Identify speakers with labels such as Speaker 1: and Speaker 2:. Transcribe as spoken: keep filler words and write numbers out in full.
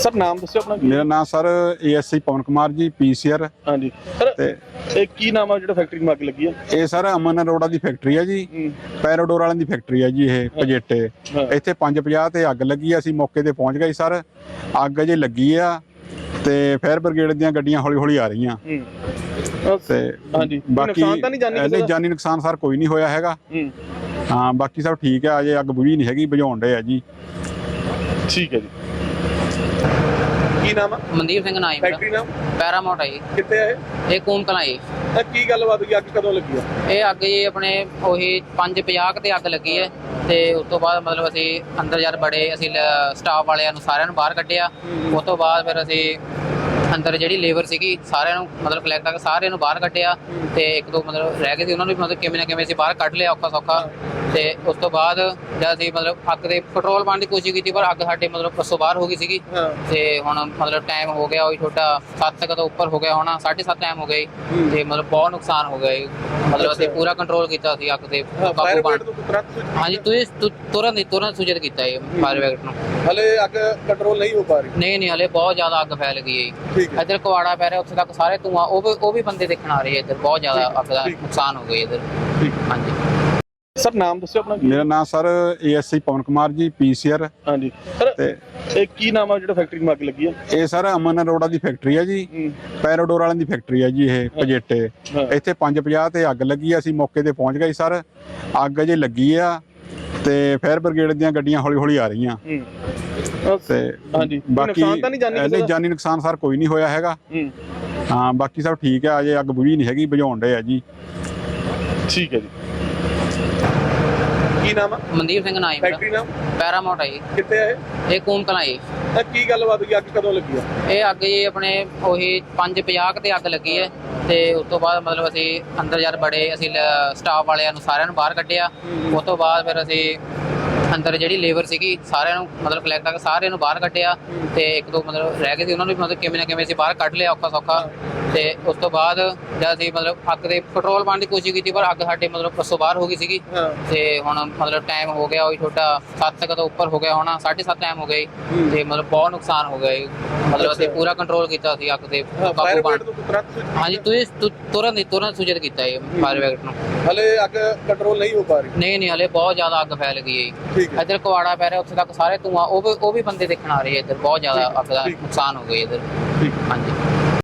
Speaker 1: Sir नाम दस्यो अपना की?
Speaker 2: मेरा नाम sir ASI Pavan Kumar ji PCR.
Speaker 1: हाँ जी सर
Speaker 2: ਤੇ
Speaker 1: ਇਹ ਕੀ ਨਾਮ ਆ ਜਿਹੜਾ ਫੈਕਟਰੀ ਨੂੰ ਅੱਗ ਲੱਗੀ ਆ?
Speaker 2: ਇਹ ਸਰ ਅਮਨ ਅਰੋੜਾ ਦੀ ਫੈਕਟਰੀ ਹੈ ਜੀ,
Speaker 1: ਹੂੰ,
Speaker 2: ਪੈਰਾਡੋਰ ਵਾਲਿਆਂ ਦੀ ਫੈਕਟਰੀ ਹੈ ਜੀ ਇਹ ਪਜੇਟੇ।
Speaker 1: ਹਾਂ।
Speaker 2: ਇੱਥੇ ਪੰਜ ਪੰਜਾਹ ਤੇ ਅੱਗ ਲੱਗੀ ਆ, ਅਸੀਂ ਮੌਕੇ ਤੇ ਪਹੁੰਚ ਗਏ ਸਰ। ਅੱਗ ਜੇ ਲੱਗੀ ਆ ਤੇ ਫਾਇਰ ਬ੍ਰਿਗੇਡ ਦੀਆਂ ਗੱਡੀਆਂ ਹੌਲੀ ਹੌਲੀ ਆ ਰਹੀਆਂ
Speaker 1: ਹੂੰ
Speaker 2: ਤੇ
Speaker 1: ਹਾਂਜੀ
Speaker 2: ਬਾਕੀ
Speaker 1: ਨੁਕਸਾਨ ਤਾਂ ਨਹੀਂ ਜਾਨੀ ਕਿਸੇ
Speaker 2: ਨਹੀਂ
Speaker 1: ਦਾ?
Speaker 2: ਜਾਨੀ ਨੁਕਸਾਨ ਸਰ ਕੋਈ ਨਹੀਂ ਹੋਇਆ ਹੈਗਾ।
Speaker 1: ਹੂੰ
Speaker 2: ਹਾਂ ਬਾਕੀ ਸਭ ਠੀਕ ਹੈ, ਅਜੇ ਅੱਗ ਬੁਝੀ ਨਹੀਂ ਹੈਗੀ, ਬੁਝਾਉਣ ਦੇ ਆ ਜੀ।
Speaker 1: ਠੀਕ ਹੈ ਜੀ। ਕੀ ਨਾਮ ਆ?
Speaker 3: ਮਨਦੀਪ ਸਿੰਘ ਨਾਮ
Speaker 1: ਫੈਕਟਰੀ ਨਾਮ
Speaker 3: ਪੈਰਾਮਾਉਂਟ ਹੈ ਜੀ।
Speaker 1: ਕਿੱਥੇ ਆ ਇਹ?
Speaker 3: ਇਹ ਕੂਮ ਕਲਾਂ ਜੀ।
Speaker 1: ਇਹ ਕੀ ਗੱਲਬਾਤ ਹੋਈ? ਅੱਗ ਕਦੋਂ ਲੱਗੀ ਆ?
Speaker 3: ਇਹ ਅੱਗ ਜੀ ਆਪਣੇ ਉਹੀ ਪੰਜ ਪੰਜਾਹ ਤੇ ਅੱਗ ਲੱਗੀ ਹੈ ਤੇ ਉਸ ਤੋਂ ਬਾਅਦ ਮਤਲਬ ਅਸੀਂ ਅੰਦਰ ਜਦ ਬੜੇ ਅਸੀਂ ਸਟਾਫ ਵਾਲਿਆਂ ਨੂੰ ਸਾਰਿਆਂ ਨੂੰ ਬਾਹਰ ਕੱਢਿਆ। ਉਸ ਤੋਂ ਬਾਅਦ ਫਿਰ ਅਸੀਂ ਅੰਦਰ ਜਿਹੜੀ ਲੇਬਰ ਸੀਗੀ ਸਾਰਿਆਂ ਨੂੰ ਮਤਲਬ ਕਲੈਕਟ ਕਰਕੇ ਸਾਰਿਆਂ ਨੂੰ ਬਾਹਰ ਕੱਢਿਆ ਤੇ ਇੱਕ ਦੋ ਮਤਲਬ ਰਹਿ ਗਏ ਸੀ ਉਹਨਾਂ ਨੂੰ ਵੀ ਮਤਲਬ ਕਿਵੇਂ ਨਾ ਕਿਵੇਂ ਅਸੀਂ ਬਾਹਰ ਕੱਢ ਲਿਆ ਔਖਾ ਸੌਖਾ। ਤੇ ਉਸ ਤੋਂ ਬਾਅਦ ਜਦ ਅਸੀਂ ਮਤਲਬ ਅੱਗ ਦੇ ਕੰਟਰੋਲ ਪਾਉਣ ਦੀ ਕੋਸ਼ਿਸ਼ ਕੀਤੀ ਪਰ ਅੱਗ ਸਾਡੇ ਮਤਲਬ ਬੱਸੋਂ ਬਾਹਰ ਹੋ ਗਈ ਸੀਗੀ।
Speaker 1: ਹਾਂ
Speaker 3: ਤੇ ਹੁਣ ਮਤਲਬ ਟਾਈਮ ਹੋ ਗਿਆ ਉਹੀ ਛੋਟਾ ਸੱਤ ਤੱਕ ਤੋਂ ਉੱਪਰ ਹੋ ਗਿਆ ਹੋਣਾ, ਸਾਢੇ ਸੱਤ ਟਾਈਮ ਹੋ ਗਈ ਤੇ ਮਤਲਬ ਬਹੁਤ ਨੁਕਸਾਨ ਹੋ ਗਿਆ ਜੀ। ਮਤਲਬ ਅਸੀਂ ਪੂਰਾ ਕੰਟਰੋਲ ਕੀਤਾ ਸੀ ਅੱਗ ਤੇ ਕਾਬੂ
Speaker 1: ਫਾਇਰ
Speaker 3: ਪਾਉਣ।
Speaker 1: ਬ੍ਰਿਗੇਡ ਨੂੰ ਤੁਰੰਤ ਸੂਚਿਤ
Speaker 3: ਹਾਂਜੀ ਤੁਸੀਂ ਤੁ- ਤੁਰੰਤ ਹੀ ਤੁਰੰਤ ਸੂਚਿਤ ਕੀਤਾ ਜੀ ਫਾਇਰ ਬ੍ਰਿਗੇਡ ਨੂੰ।
Speaker 1: ਹਲੇ ਅੱਗ ਕੰਟਰੋਲ ਨਹੀਂ ਹੋ ਪਾ ਰਹੀ।
Speaker 3: ਨਹੀਂ ਨਹੀਂ ਹਲੇ ਬਹੁਤ ਜ਼ਿਆਦਾ ਅੱਗ ਫੈਲ ਗਈ ਹੈ ਜੀ।
Speaker 1: ਠੀਕ ਹੈ
Speaker 3: ਇੱਧਰ ਕੁਆੜਾ ਪੈ ਰਿਹਾ ਉੱਥੇ ਤੱਕ ਸਾਰੇ ਧੂਆਂ ਉਹ ਵੀ ਉਹ ਵੀ ਬੰਦੇ ਦੇਖਣ ਆ ਰਹੇ ਆ ਇੱਧਰ। ਬਹੁਤ ਜ਼ਿਆਦਾ ਅੱਗ ਦਾ
Speaker 1: ਠੀਕ।
Speaker 3: ਨੁਕਸਾਨ ਹੋ ਗਿਆ ਇੱਧਰ।
Speaker 1: ਠੀਕ।
Speaker 3: ਹਾਂਜੀ
Speaker 1: ਸਰ ਨਾਮ ਦੱਸਿਓ ਆਪਣਾ ਕੀ?
Speaker 2: ਮੇਰਾ ਨਾਮ ਸਰ ਏਐਸਆਈ ਪवन ਕੁਮਾਰ ਜੀ ਪੀਸੀਆਰ।
Speaker 1: ਹਾਂਜੀ ਸਰ
Speaker 2: ਤੇ
Speaker 1: ਇਹ ਕੀ ਨਾਮ ਆ ਜਿਹੜਾ ਫੈਕਟਰੀ ਨੂੰ ਅੱਗ ਲੱਗੀ ਆ?
Speaker 2: ਇਹ ਸਰ ਅਮਨ ਅਰੋੜਾ ਦੀ ਫੈਕਟਰੀ ਹੈ ਜੀ,
Speaker 1: ਹੂੰ,
Speaker 2: ਪੈਰਾਡੋਰ ਵਾਲਿਆਂ ਦੀ ਫੈਕਟਰੀ ਹੈ ਜੀ ਇਹ ਪਜੇਟੇ।
Speaker 1: ਹਾਂ।
Speaker 2: ਇੱਥੇ ਪੰਜ ਪੰਜਾਹ ਤੇ ਅੱਗ ਲੱਗੀ ਆ, ਅਸੀਂ ਮੌਕੇ ਤੇ ਪਹੁੰਚ ਗਏ ਸਰ। ਅੱਗ ਜੇ ਲੱਗੀ ਆ ਤੇ ਫਾਇਰ ਬ੍ਰਿਗੇਡ ਦੀਆਂ ਗੱਡੀਆਂ ਹੌਲੀ ਹੌਲੀ ਆ ਰਹੀਆਂ
Speaker 1: ਹੂੰ
Speaker 2: ਤੇ
Speaker 1: ਹਾਂਜੀ
Speaker 2: ਬਾਕੀ
Speaker 1: ਨੁਕਸਾਨ ਤਾਂ ਨਹੀਂ ਜਾਨੀ ਕਿਸੇ
Speaker 2: ਨਹੀਂ
Speaker 1: ਦਾ?
Speaker 2: ਜਾਨੀ ਨੁਕਸਾਨ ਸਰ ਕੋਈ ਨਹੀਂ ਹੋਇਆ ਹੈਗਾ।
Speaker 1: ਹੂੰ
Speaker 2: ਹਾਂ ਬਾਕੀ ਸਭ ਠੀਕ ਹੈ, ਅਜੇ ਅੱਗ ਬੁਝੀ ਨਹੀਂ ਹੈਗੀ, ਬੁਝਾਉਣ ਦੇ ਆ ਜੀ।
Speaker 1: ਠੀਕ ਹੈ ਜੀ। ਕੀ ਨਾਮ ਆ?
Speaker 3: ਮਨਦੀਪ ਸਿੰਘ ਨਾਮ
Speaker 1: ਫੈਕਟਰੀ ਨਾਮ
Speaker 3: ਪੈਰਾਮਾਉਂਟ ਹੈ ਜੀ।
Speaker 1: ਕਿੱਥੇ ਆ ਇਹ?
Speaker 3: ਇਹ ਕੂਮ ਕਲਾਂ ਜੀ।
Speaker 1: ਇਹ ਕੀ ਗੱਲਬਾਤ ਹੋਈ? ਅੱਗ ਕਦੋਂ ਲੱਗੀ ਆ?
Speaker 3: ਇਹ ਅੱਗ ਜੀ ਆਪਣੇ ਉਹੀ ਪੰਜ ਪੰਜਾਹ ਤੇ ਅੱਗ ਲੱਗੀ ਹੈ ਤੇ ਉਸ ਤੋਂ ਬਾਅਦ ਮਤਲਬ ਅਸੀਂ ਅੰਦਰ ਜਦ ਬੜੇ ਅਸੀਂ ਸਟਾਫ ਵਾਲਿਆਂ ਨੂੰ ਸਾਰਿਆਂ ਨੂੰ ਬਾਹਰ ਕੱਢਿਆ। ਉਸ ਤੋਂ ਬਾਅਦ ਫਿਰ ਅਸੀਂ ਅੰਦਰ ਜਿਹੜੀ ਲੇਬਰ ਸੀਗੀ ਸਾਰਿਆਂ ਨੂੰ ਮਤਲਬ ਕਲੈਕਟ ਕਰਕੇ ਸਾਰਿਆਂ ਨੂੰ ਬਾਹਰ ਕੱਢਿਆ ਤੇ ਇੱਕ ਦੋ ਮਤਲਬ ਰਹਿ ਗਏ ਸੀ ਉਹਨਾਂ ਨੂੰ ਵੀ ਮਤਲਬ ਕਿਵੇਂ ਨਾ ਕਿਵੇਂ ਅਸੀਂ ਬਾਹਰ ਕੱਢ ਲਿਆ ਔਖਾ ਸੌਖਾ। ਤੇ ਉਸ ਤੋਂ ਬਾਅਦ ਜਦ ਅਸੀਂ ਮਤਲਬ ਅੱਗ ਦੇ ਕੰਟਰੋਲ ਪਾਉਣ ਦੀ ਕੋਸ਼ਿਸ਼ ਕੀਤੀ ਪਰ ਅੱਗ ਸਾਡੇ ਮਤਲਬ ਬੱਸੋਂ ਬਾਹਰ ਹੋ ਗਈ ਸੀਗੀ।
Speaker 1: ਹਾਂ
Speaker 3: ਤੇ ਹੁਣ ਮਤਲਬ ਟਾਈਮ ਹੋ ਗਿਆ ਉਹੀ ਛੋਟਾ ਸੱਤ ਤੱਕ ਤੋਂ ਉੱਪਰ ਹੋ ਗਿਆ ਹੋਣਾ, ਸਾਢੇ ਸੱਤ ਟਾਈਮ ਹੋ ਗਈ ਤੇ ਮਤਲਬ ਬਹੁਤ ਨੁਕਸਾਨ ਹੋ ਗਿਆ ਜੀ। ਮਤਲਬ ਅਸੀਂ ਪੂਰਾ ਕੰਟਰੋਲ ਕੀਤਾ ਸੀ ਅੱਗ ਤੇ
Speaker 1: ਫਾਇਰ
Speaker 3: ਕਾਬੂ ਪਾਉਣ।
Speaker 1: ਬ੍ਰਿਗੇਡ ਨੂੰ ਤੁਰੰਤ ਸੂਚਿਤ
Speaker 3: ਹਾਂਜੀ ਤੁਸੀਂ ਤੁ- ਤੁਰੰਤ ਹੀ ਤੁਰੰਤ ਸੂਚਿਤ ਕੀਤਾ ਜੀ ਫਾਇਰ ਬ੍ਰਿਗੇਡ ਨੂੰ।
Speaker 1: ਹਲੇ ਅੱਗ ਕੰਟਰੋਲ ਨਹੀਂ ਹੋ ਪਾ ਰਹੀ।
Speaker 3: ਨਹੀਂ ਨਹੀਂ ਹਲੇ ਬਹੁਤ ਜ਼ਿਆਦਾ ਅੱਗ ਫੈਲ ਗਈ ਹੈ ਜੀ।
Speaker 1: ਠੀਕ ਹੈ
Speaker 3: ਇੱਧਰ ਕੁਆੜਾ ਪੈ ਰਿਹਾ ਉੱਥੇ ਤੱਕ ਸਾਰੇ ਧੂਆਂ ਉਹ ਵੀ ਉਹ ਵੀ ਬੰਦੇ ਦੇਖਣ ਆ ਰਹੇ ਆ ਇੱਧਰ। ਬਹੁਤ ਜ਼ਿਆਦਾ ਅੱਗ ਦਾ
Speaker 1: ਠੀਕ।
Speaker 3: ਨੁਕਸਾਨ ਹੋ ਗਿਆ ਇੱਧਰ।
Speaker 1: ਠੀਕ।
Speaker 3: ਹਾਂਜੀ